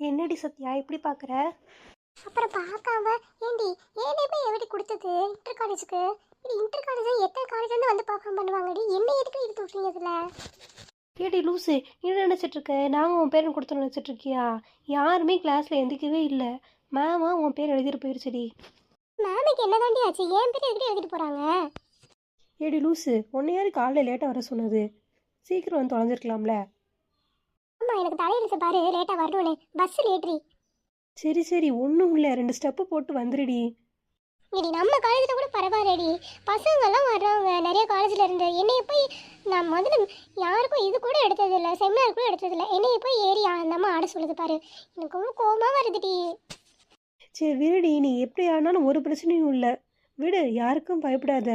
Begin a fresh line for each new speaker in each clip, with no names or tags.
என்னடி சத்யா இப்படி பார்க்குற?
அப்புறம் பார்க்காம ஏண்டி ஏனே போய் எப்படி கொடுத்தது இன்டர் காலேஜுக்கு? இது இன்டர் காலேஜ் எத்தனை காலேஜ்லேருந்து வந்து பர்ஃபார்ம் பண்ணுவாங்கடி, என்ன எதுக்கு எடுத்து விட்றீங்க இதில்?
ஏடி லூஸு, என்ன நினச்சிட்டு இருக்க? நாங்கள் உன் பேரை கொடுத்து நினச்சிட்டு இருக்கியா? யாருமே கிளாஸில் எந்திக்கவே இல்லை. மேமா உன் பேர் எழுதிட்டு போயிருச்சுடி.
மேமுக்கு என்ன தாண்டி ஆச்சு? ஏன் பேர் எதுக்கு எழுதிட்டு போகிறாங்க?
ஏடி லூஸு, உன்னை யாரு காலையில் லேட்டாக வர சொன்னது? சீக்கிரம் வந்து தொலைஞ்சிருக்கலாம்ல.
ஆமாம், எனக்கு தலையெழுத்து பாரு, லேட்டாக வரணும்னே, பஸ் லேட்ரி.
சரி சரி, ஒன்றும் இல்லை, 2 ஸ்டெப்பு போட்டு வந்துடுடி.
இடி நம்ம காலேஜில் கூட பரவாயில்லடி, பசங்கள்லாம் வர்றவங்க நிறைய காலேஜில் இருந்து. என்னைய போய் நான் முதல்ல யாருக்கும் இது கூட எடுத்ததில்லை, செமினார் கூட எடுத்ததில்லை. என்னைய போய் ஏறி அந்த அம்மா ஆட சொல்லுது பாரு, எனக்கு ரொம்ப கோபமாக வருதுடி.
சரி விடுடி, நீ எப்படி ஆனாலும் ஒரு பிரச்சனையும் இல்லை. விடு, யாருக்கும் பயப்படாத.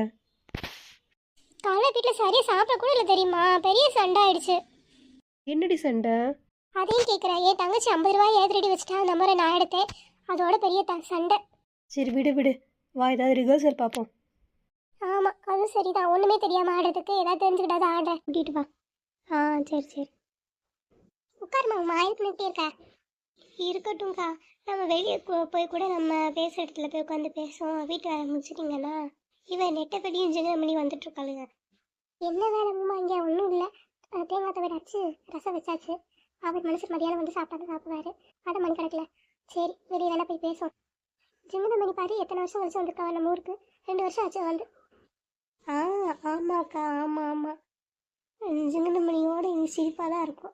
காலை வீட்டில் சரியாக சாப்பிட கூட இல்லை தெரியுமா, பெரிய சண்டை ஆயிடுச்சு.
என்னடி சண்டை?
அதையும் கேட்குறேன். என் தங்கச்சி 50 ரூபாய் ஏதிரடி வச்சுட்டா, அந்த மாதிரி நான் எடுத்தேன். அதோட பெரிய சண்டை.
சரி விடு விடு, வா ஏதாவது ரிஹர்சல் பார்ப்போம்.
ஆமாம், அதுவும் சரிதான். ஒன்றுமே தெரியாமல் ஆடுறதுக்கு ஏதாவது தெரிஞ்சுக்கிட்டாது ஆடுறேன். கூட்டிகிட்டு வா. ஆ சரி சரி, உட்காருமா. எதுக்கு எப்படி இருக்க? இருக்கட்டும்க்கா, நம்ம வெளியே போய் கூட நம்ம பேசுகிற இடத்துல போய் உட்காந்து பேசுவோம். வீட்டு வேலை முடிச்சிட்டிங்கன்னா இவன் நெட்டப்படியும் ஜெனமணி வந்துட்டுருக்காளுங்க. என்ன வேலைம்மா? இங்கே ஒன்றும் இல்லை. தேங்காய் தவிர அச்சு ரசம் வச்சாச்சு. அவர் மனுஷன் மதியானம் வந்து சாப்பிடுவாரு. அடை மணி கிடக்கல. சரி, வெளியே வேணா போய் பேசுவோம். ஜெமினமணி பாரு, எத்தனை வருஷம் கழிச்சு வந்திருக்காங்க நம்ம ஊருக்கு. 2 வருஷம் ஆச்சு வந்து. ஆ ஆமாக்கா, ஆமாம் ஆமாம். ஜெமினமணியோட இங்கே சிரிப்பாக தான் இருக்கும்.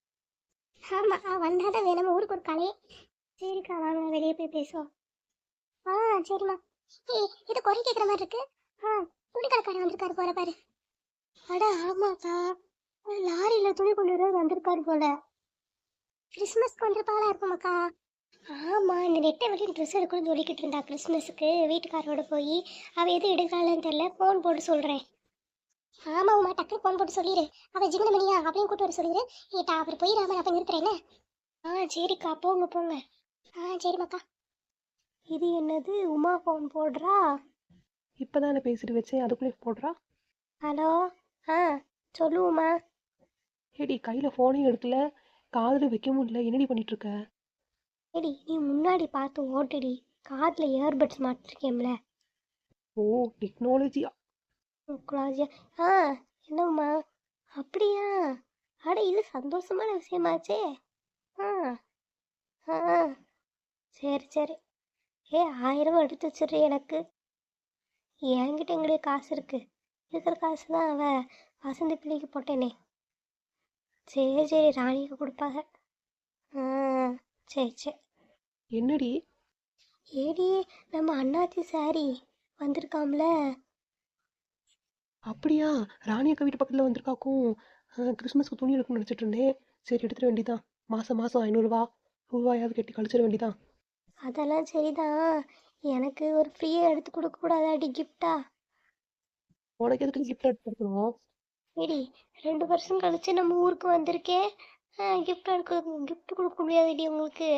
ஆமாம், வந்தால் தான் வேணும் ஊருக்கு ஒரு கலையே. சரிக்கா, வாங்க வெளியே போய் பேசுவோம். ஆ சரிம்மா. இது குறை கேட்குற மாதிரி இருக்கு. துணி கடைக்காரன் வந்திருக்காரு போல பாரு. அட ஆமாக்கா, லாரியில் துணி கொண்டு வர வந்திருக்காரு போல. கிறிஸ்மஸ்க்கு வந்திருப்பாங்களா இருக்குமாக்கா? ஆமாம், இந்த நெட்டை வெளியே ட்ரெஸ் எடுக்கணும்னு சொல்லிக்கிட்டு இருந்தா கிறிஸ்மஸுக்கு. வீட்டுக்காரோட போய் அவள் எதுவும் எடுக்கலான்னு தெரில, ஃபோன் போட்டு சொல்கிறேன். ஆமாம்மா, டக்குனு ஃபோன் போட்டு சொல்லிடு. அவள் ஜிங்கனமணியா அப்படின்னு கூட்டு வர சொல்லிடு. ஏட்டா அவர் போயிடாம அப்போ நிறுத்துறேன்னு. சரிக்கா, போங்க போங்க. சரிம்மாக்கா.
இது என்னது, உமா ஃபோன் போடுறா? இப்போ தானே பேசிட்டு வச்சேன், அதுக்குள்ளே போடுறா.
ஹலோ. சொல்லுவோம்மா.
ஏடி, கையில் ஃபோனையும் எடுக்கல, காதில் வைக்க முடியல, என்னடி பண்ணிட்டு இருக்க?
ஏடி, நீ முன்னாடி பார்த்து ஓட்டுடி. காதில் இயர்பட்ஸ் மாட்டிருக்கேன்ல.
ஓ, டெக்னாலஜியா?
குலாஜியா. என்னம்மா? அப்படியா? அட, இது சந்தோஷமான விஷயமாச்சே. ஆ ஆ சரி சரி. 1000 எடுத்து வச்சிடுறேன் எனக்கு. என்கிட்ட எங்களுடைய காசு இருக்கு. இருக்கிற காசு தான் அவள் வசந்தி பிள்ளைக்கு போட்டேனே. சரி சரி, ராணிக்கு கொடுப்பாங்க. சரி சரி.
என்னடி?
ஏடி, நம்ம அண்ணாச்சி சாரி வந்திருக்காம்ல.
அப்படியா? ராணி அக்கா வீட்டு பக்கத்தில் வந்திருக்காக்கும். கிறிஸ்மஸ்க்கு துணி எடுக்கணும்னு நினச்சிட்டு இருந்தேன். சரி, எடுத்துட வேண்டியதான். மாதம் 500 ரூபாயாவது கட்டி கழிச்சிட வேண்டியதான்.
அதெல்லாம் சரிதான். எனக்கு ஒரு ஃப்ரீயாக எடுத்து கொடுக்கக்கூடாதாடி கிஃப்டா?
உனக்கு எதுக்கு கிஃப்ட் எடுத்து கொடுக்கணும்?
ஏடி, 2 வருஷம் கழிச்சு நம்ம ஊருக்கு வந்திருக்கேன். கிஃப்ட் கொடுக்க முடியாதுடி உங்களுக்கு.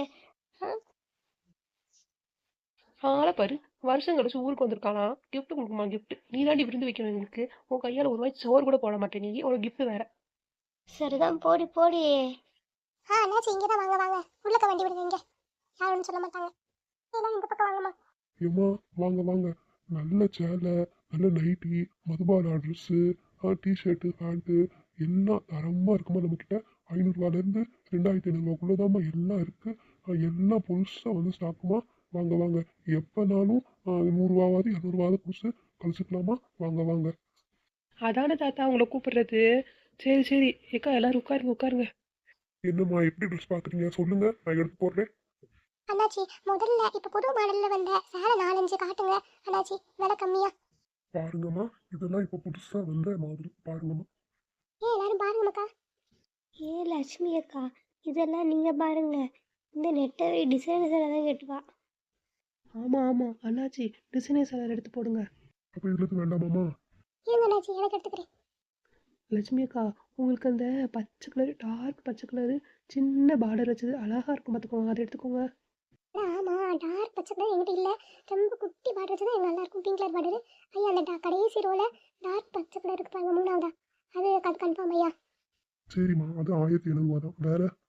ஆளை பாரு, வருஷம் கழிச்சு ஊருக்கு வந்திருக்கானா, கிஃப்ட் கொடுக்குமா? கிஃப்ட் நீ தாண்டி விருந்து வைக்கணும் எங்களுக்கு. உன் கையால் ஒரு வாய் சோறு கூட போட மாட்டேன் நீ, ஒரு கிஃப்ட் வேற.
சரிதான், போடி போடி. அண்ணாச்சி இங்கே தான். வாங்க வாங்க, உள்ளக்க வண்டி விடுங்க. இங்கே யாரும் ஒன்றும் சொல்ல மாட்டாங்க. எல்லாம் இந்த பக்கம் வாங்கம்மா.
ஏம்மா, வாங்க வாங்க. நல்ல சேலை, நல்ல நைட்டி, மதுபான ட்ரெஸ்ஸு, டிஷர்ட்டு, பேண்ட்டு எல்லாம் தரமாக இருக்குமா நம்மக்கிட்ட. 500ரூவாலேருந்து 2500ரூவாக்குள்ளதாம்மா எல்லாம் இருக்குது. எல்லாம் புதுசாக வந்து ஸ்டாக்குமா. வாங்க வாங்க, எப்போனாலும் 100ரூவாவது 200ரூவாவது புதுசு கழிச்சுக்கலாமா. வாங்க வாங்க.
அதான தாத்தா உங்களை கூப்பிடுறது. சரி சரி, ஏக்கா எல்லாரும் உட்காருங்க உட்காருங்க.
என்னம்மா, எப்படி ட்ரெஸ் பார்க்குறீங்க சொல்லுங்கள், நான் எடுத்து போடுறேன்.
அண்ணாச்சி, முதல்ல இப்போ புது மாடலில் வந்த சேலை 4-5 காட்டுங்க அண்ணாச்சி, விலை கம்மியா.
பாருங்கம்மா, இதெல்லாம் இப்போ புதுசாக வந்த மாதிரி பாருங்கம்மா.
எல்லாரும் பாருங்க மக்கா. லட்சுமி அக்கா, இதெல்லாம் நீங்கள் பாருங்க. இந்த நெட்டை டிசைன் தான் கேட்டுவா.
ஆமாம் ஆமாம் அண்ணாச்சி, டிசைனர் சாலர் எடுத்து போடுங்க.
அப்போ இதில் வேண்டாமாம்மா?
இருங்க அண்ணாச்சி, எனக்கு எடுத்துக்கிறேன்.
லட்சுமி அக்கா, உங்களுக்கு அந்த பச்சை கலரு, டார்க் பச்சை கலரு, சின்ன பார்டர் வச்சது அழகாக இருக்கும் பார்த்துக்கோங்க, அதை எடுத்துக்கோங்க.
ஆமாம், டார்க் பச்சை கலர் என்கிட்ட இல்லை. ரொம்ப குட்டி பார்டர் வச்சு தான் நல்லா இருக்கும். Pink colour border. ஐயா, அந்த கடைசி ரோவில் டார்க் பச்சை கலர் இருக்கு பாருங்க, 3ஆவதா. அது கன்ஃபார்ம் ஐயா.
சரிம்மா, அது 1700 தான். வேற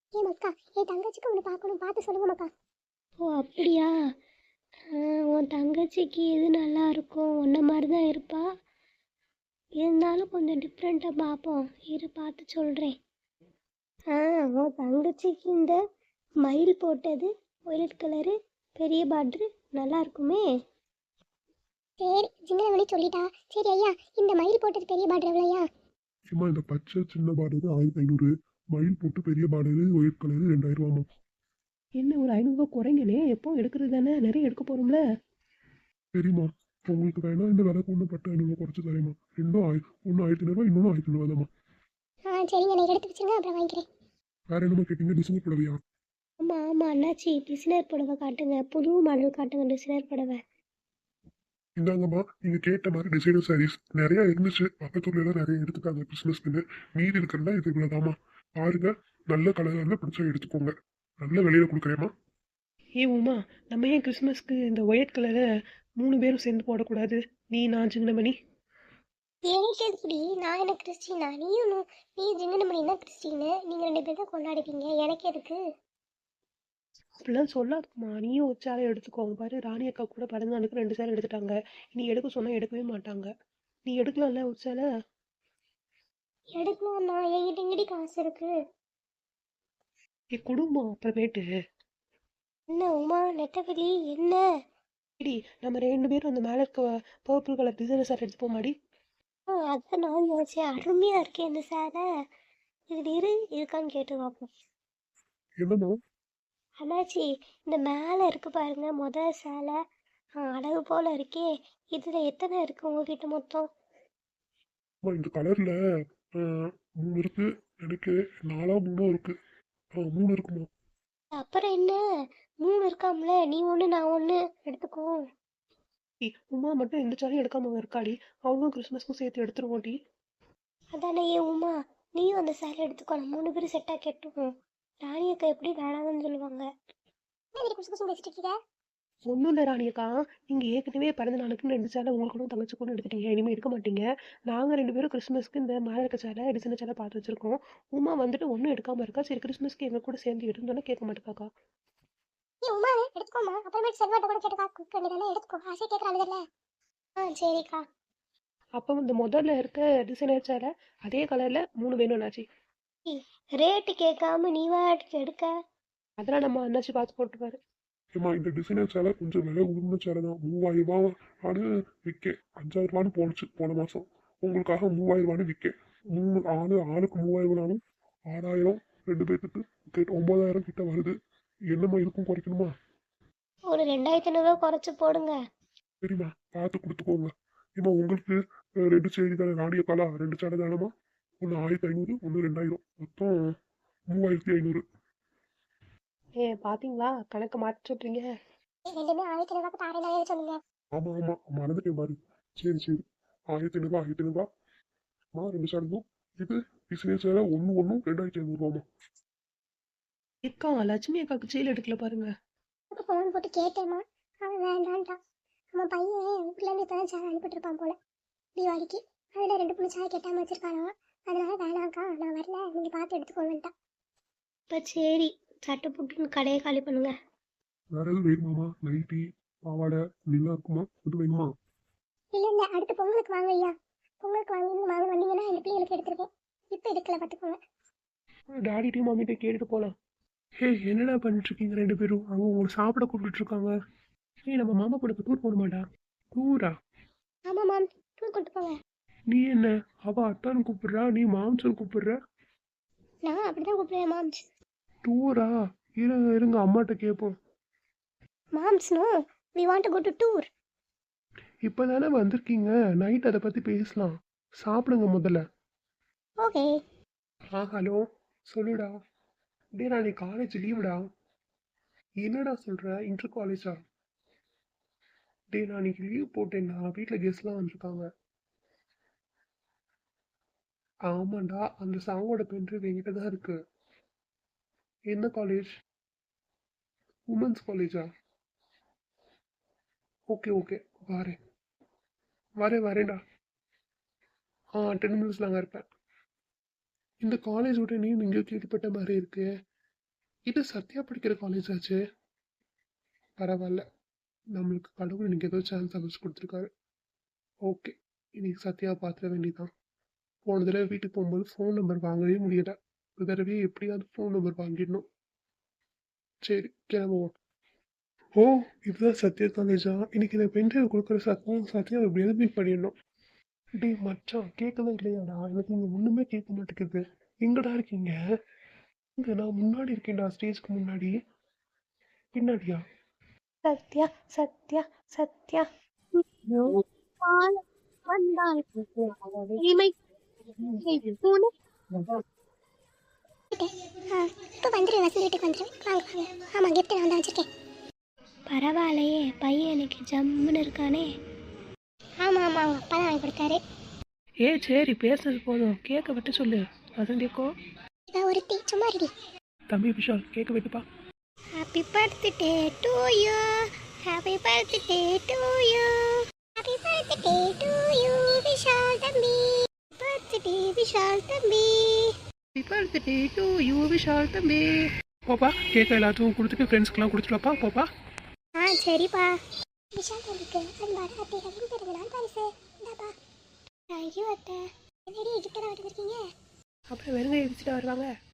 ஏ மக்கா, என் தங்கச்சிக்கு ஒன்று பார்க்கணும், பார்த்து சொல்லுங்க மக்கா. ஓ அப்படியா? உன் தங்கச்சிக்கு எது நல்லா இருக்கும், உன்ன மாதிரி தான் இருப்பா, இருந்தாலும் கொஞ்சம் டிஃப்ரெண்ட்டாக பார்ப்போம், இரு பார்த்து சொல்கிறேன். உன் தங்கச்சிக்கு இந்த மயில் போட்டது ஒயிலட் கலரு பெரிய பார்ட்ரு நல்லா இருக்குமே. சரி, ஜிங்கனமணி சொல்லிட்டா. சரி ஐயா, இந்த மயில் போட்டது பெரிய பார்டர் எவ்வளோயா?
ஏம்மா இந்த பச்சை சின்ன பார்டரு 1500, மயில் போட்டு பெரிய பார்டரு ஒயிட் கலரு 2000 ரூபாமா.
என்ன ஒரு 500 குறைங்கனே, எப்போ எடுக்கிறது தானே, நிறைய எடுக்க போகிறோம்ல.
சரிம்மா, உங்களுக்கு வேணா இந்த விலைக்கு ஒன்று பட்டு 500 குறைச்சி தரேம்மா. ரெண்டும் ஒன்று 1500, இன்னொன்று 1500 தாம்மா.
சரிங்க, நான் எடுத்து வச்சுருங்க, அப்புறம் வாங்கிக்கிறேன்.
வேற என்னம்மா கேட்டீங்க? டிசைன் புடவையா?
ஆமாம் ஆமாம் அண்ணாச்சி, டிசைனர் புடவை காட்டுங்க, புது மாடல் காட்டுங்க, டிசைனர் புடவை.
இந்தாங்கம்மா, நீங்க கேட்ட மாதிரி டிசைனர் சாரீஸ் நிறைய இருந்துச்சு. பக்கத்துல எல்லாம் நிறைய எடுத்துக்காங்க கிறிஸ்மஸ்க்கு. மீதி இருக்கிறதா இது இவ்வளவுதாம்மா. பாருங்க, நல்ல கலர்ல பிடிச்சா எடுத்துக்கோங்க. நல்ல விலையில கொடுக்குறேம்மா.
ஏ உமா, நம்ம ஏன் கிறிஸ்மஸ்க்கு இந்த ஒயிட் கலரை 3 பேரும் சேர்ந்து போடக்கூடாது? நீ, நான், சிங்கனமணி.
எனக்கு எதுக்குடி? நான் என்ன கிறிஸ்டினா? நீ ஜிங்கனமணி தான் கிறிஸ்டின்னு, நீங்கள் 2 பேர் தான் கொண்டாடுவீங்க, எனக்கு எதுக்கு?
அப்படிலாம் சொல்லாதுமா, நீயும் ஒரு சேலை எடுத்துக்கோங்க. பாரு, ராணி அக்கா கூட பிறந்த நாளுக்கு 2 சேலை எடுத்துட்டாங்க. நீ எடுக்க சொன்னா எடுக்கவே மாட்டாங்க. நீ எடுக்கலாம்ல ஒரு சேலை?
எடுக்கலாம்ண்ணா, என்கிட்ட எங்கடி காசு இருக்கு?
ஏ குடும்பம் அப்புறமேட்டு.
என்ன உமா, நெட்டவெளி என்ன?
சரி, நம்ம 2 பேரும் அந்த மேலே இருக்க பர்பிள் கலர் டிசைனர் சார் எடுத்து போமாடி.
அதான் நான் யோசிச்சேன், அருமையாக இருக்கே இந்த சேலை. இது இருக்கான்னு கேட்டு பார்ப்போம்.
என்னம்மா?
அண்ணாச்சி, இந்த மேலே இருக்கு பாருங்க முதல் சேலை, அழகு போல இருக்கே, இதில் எத்தனை இருக்கு உங்ககிட்ட மொத்தம்?
அம்மா, இந்த கலர்ல 3 இருக்கு. எனக்கு 4 3 இருக்கு. 3 இருக்குமா?
அப்புறம் என்ன, 3 இருக்காம்ல, நீ ஒன்று நான் ஒன்று எடுத்துக்கோ.
உமா மட்டும் எந்த சேலையும் எடுக்காம இருக்காடி. அவங்களும் கிறிஸ்மஸ்க்கும் சேர்த்து எடுத்துருவோம்டி.
அதானே ஏ உமா, நீயும் அந்த சேலை எடுத்துக்கோ, நம்ம 3 பேரும் செட்டாக கெட்டுவோம். ராணி அக்கா எப்படி வேணாம்னு சொல்லுவாங்க.
ஒன்றும் இல்லை ராணியக்கா, நீங்கள் ஏற்கனவே பிறந்த நாளுக்கு 2 சேலை உங்களுக்கும் தங்கச்சிக்கும் எடுத்துட்டீங்க. இனிமேல் எடுக்க மாட்டீங்க. நாங்கள் 2 பேரும் கிறிஸ்மஸ்க்கு இந்த மேலே இருக்க சேலை டிசைனர் சேலை பார்த்து வச்சிருக்கோம். உமா வந்துட்டு ஒன்றும் எடுக்காமல் இருக்கா. சரி, கிறிஸ்மஸ்க்கு எங்கள் கூட சேர்ந்து எடுன்னு கேட்க மாட்டேக்காக்கா.
ஏ உமா, எடுத்துக்கோமா, அப்புறமேட்டு செல்வாட்ட கூட கேட்டு காக்க வேண்டியதானே, எடுத்துக்கோ, ஆசை கேட்குறாங்கல்ல. சரிக்கா.
அப்போ இந்த முதல்ல இருக்க டிசைனர் சேலை அதே கலரில் 3 வேணும்னாச்சு.
ரேட்டு கேட்காம நீ வாட்டுக்கு எடுக்க.
அதெல்லாம் நம்ம அண்ணாச்சி பார்த்து போட்டுப்பாரு.
ஏம்மா, இந்த டிசைனர் சேலை கொஞ்சம் விலை உயர்ந்த சேலை தான். 3000 ரூபான்னு விற்க. 5000 ரூபான்னு போணுச்சு போன மாசம். உங்களுக்காக 3000 ரூபான்னு விற்க. 3 ஆளுக்கு 3000 6000, 2 பேர்த்துக்கு 9000 கிட்ட வருது. என்னம்மா, இதுக்கும் குறைக்கணுமா?
ஒரு 2500 குறைச்சி போடுங்க.
சரிம்மா, பார்த்து கொடுத்துக்கோங்க. ஏம்மா, உங்களுக்கு 2 சேரி தானே? ராணிய காலா 2 சேலை தானம்மா? ஒன்று 1500, ஒன்று 2000, மொத்தம் 3500.
பார்த்தீங்களா, கணக்கு மாற்றி சொல்கிறீங்க.
ரெண்டுமே 1500 தாரேனாலே சொல்லுங்க.
ஆமா ஆமா, மறந்துட்டேன் பாரு. சரி சரி, 1500, 1500. 2 சேலையும் இது டிசைனர் சேலை ஒன்று 2500 ரூபாமா.
அக்கா, லட்சுமி அக்காவுக்கு சேலை எடுக்கல பாருங்க.
ஃபோன் போட்டு கேட்டேம்மா, அவன் வேண்டான்ட்டான். அவன் பையன் வீட்டிலேருந்து இப்போ தான் சேலை அனுப்பிட்டுருப்பான் போல தீபாவளிக்கு. அதில் 2 சேலை கேட்டாமல் வச்சிருக்கானா, அதனால வேணாங்க்கா நான் வரல, நீங்கள் பார்த்து எடுத்துக்கோங்கன்ட்டான். இப்போ சரி, சட்டை புட்டுன்னு கடையை காலி பண்ணுங்க.
வேற எதுவும் வேணுமாமா? நைட்டி, பாவாடை இதெல்லாம் இருக்குமா? இது வேணுமா?
இல்லை அடுத்து பொங்கலுக்கு வாங்க ஐயா. பொங்கலுக்கு வாங்க வந்தீங்கன்னா எங்கள் பிள்ளைங்களுக்கு எடுத்துருக்கேன். இப்போ எடுக்கல பார்த்துக்கோங்க.
டாடிட்டையும் மம்மிட்டையும் கேட்டுட்டு போகலாம். ஹே, என்னடா பண்ணிட்டு இருக்கீங்க 2 பேரும்? அவங்க உங்களை சாப்பிட கூப்பிட்டு இருக்காங்க. நம்ம மாமா கூட டூர் போக மாட்டா? டூரா?
ஆமாம் மேம், டூர் கூப்பிட்டு போங்க.
நீ என்ன, அவ அத்தான்னு கூப்பிடுறா, நீ மாம்சன் கூப்பிடுற.
நான் அப்படி தான் கூப்பிடுவேன் மாம்ஸ்.
டூரா? இருங்க அம்மாட்ட கேட்போம்.
Moms no, we want to go to tour.
இப்போ தானே வந்திருக்கீங்க, நைட் அதை பற்றி பேசலாம். சாப்பிடுங்க முதல்ல.
ஓகே.
ஹலோ, சொல்லுடா. டே, நான் காலேஜ் லீவுடா. என்னடா சொல்கிற, இன்டர் காலேஜா? டே, நான் இன்னைக்கு லீவ் போட்டேன்டா, வீட்டில் கெஸ்ட்லாம் வந்திருக்காங்க. ஆமாண்டா, அந்த சாங்கோட பென்ட்ரைவ் என்கிட்ட தான் இருக்கு. என்ன காலேஜ்? உமன்ஸ் காலேஜா? ஓகே ஓகே, வரேன்டா. 10 மினிட்ஸில் அங்கே இருப்பேன். இந்த காலேஜ் விட்டு நீ இங்கே கேள்விப்பட்ட மாதிரி இருக்கு.
இது சத்யா படிக்கிற காலேஜ் ஆச்சு. பரவாயில்ல, நம்மளுக்கு கடவுள் இன்னைக்கு ஏதோ சான்ஸ் அமைச்சு கொடுத்துருக்காரு. ஓகே, இன்னைக்கு சத்யாவை பார்த்துட வேண்டியதான். போன தடவை வீட்டுக்கு போகும்போது ஃபோன் நம்பர் வாங்கவே முடியல. இந்த தடவை எப்படியாவது ஃபோன் நம்பர் வாங்கிடணும். சரி, கிளம்புவோம். ஓ, இதுதான் சத்யா காலேஜா? இன்னைக்கு இந்த பென்ட்ரைவ் கொடுக்குற சத்யாவை எப்படியாவது மீட் பண்ணிடணும். டேய் மச்சான், கேட்கவே இல்லையாடா? எனக்கு இங்கே ஒன்றுமே கேட்க மாட்டேங்குது. எங்கடா இருக்கீங்க? இங்க நான் முன்னாடி இருக்கேன்டா, ஸ்டேஜ்க்கு முன்னாடி. பின்னாடியா?
சத்யா சத்யா சத்யா.
வந்தால் இமை பூனை. இப்போ வந்துடுவேன், வசந்தி வீட்டுக்கு வந்துடுவேன். வாங்க வாங்க. ஆமாம், கிஃப்ட் நான் தான் வச்சுருக்கேன். பரவாயில்லையே, பையன் எனக்கு ஜம்முன்னு இருக்கானே. ஆமாம் ஆமாம், அவங்க அப்பா தான் வாங்கி கொடுத்தாரு.
சரி பேசுறது போதும், கேட்க விட்டு சொல்லு. வசந்தியக்கோ,
இவ ஒருத்தி சும்மா ரெடி.
தம்பி விஷால், கேட்க விட்டுப்பா.
Happy birthday to you, happy birthday to you, happy birthday to you Vishal தம்பி, பர்த்டே விஷால் தம்பி.
பர்த்டே டு யூ விஷால் தம்பி. போப்பா, கேட்க எல்லாத்துக்கும் கொடுத்துட்டு ஃப்ரெண்ட்ஸ்க்கெலாம் கொடுத்துருவாப்பா, போப்பா.
சரிப்பா. விஷால் தம்பிக்கு அன்பான அத்தைகளின் பிறந்தநாள் பரிசு. இந்தாப்பா. தேங்க்யூ அத்தை. என்னடி கிஃப்ட் தான் வச்சுருக்கீங்க?
அப்புறம் வெறுங்க எரிச்சிட்டு வருவாங்க.